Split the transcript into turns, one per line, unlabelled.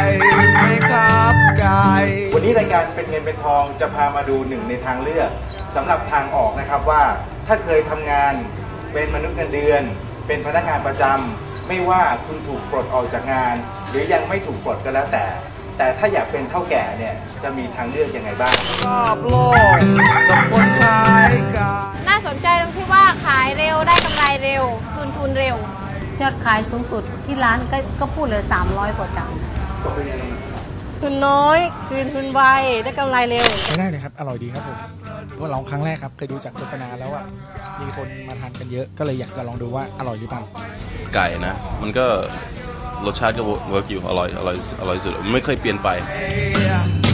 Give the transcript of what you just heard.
ไหมครับไก่
วันนี้รายการเป็นเงินเป็นทองจะพามาดูหนึ่งในทางเลือกสำหรับทางออกนะครับว่าถ้าเคยทำงานเป็นมนุษย์เงินเดือนเป็นพนักงานประจำไม่ว่าคุณถูกปลดออกจากงานหรือยังไม่ถูกปลดก็แล้วแต่ถ้าอยากเป็นเท่าแก่เนี่ยจะมีทางเลือกยังไงบ้าง
รอบโลกกับคนขายไก่
น่าสนใจตรงที่ว่าขายเร็วได้กำไรเร็วคืนทุนเร็วยอดขายสูงสุดที่ร้านก็พูดเลย300 กว่าจานทุนน้อยคืนทุนไวได้กำไรเร็ว
ไม่ได้เลยครับอร่อยดีครับผมเพราะลองครั้งแรกครับเคยดูจากโฆษณาแล้วว่ามีคนมาทานกันเยอะก็เลยอยากจะลองดูว่าอร่อยหรือเปล่า
ไก่นะมันก็รสชาติก็เวิร์กอยู่อร่อยสุดไม่เคยเปลี่ยนไป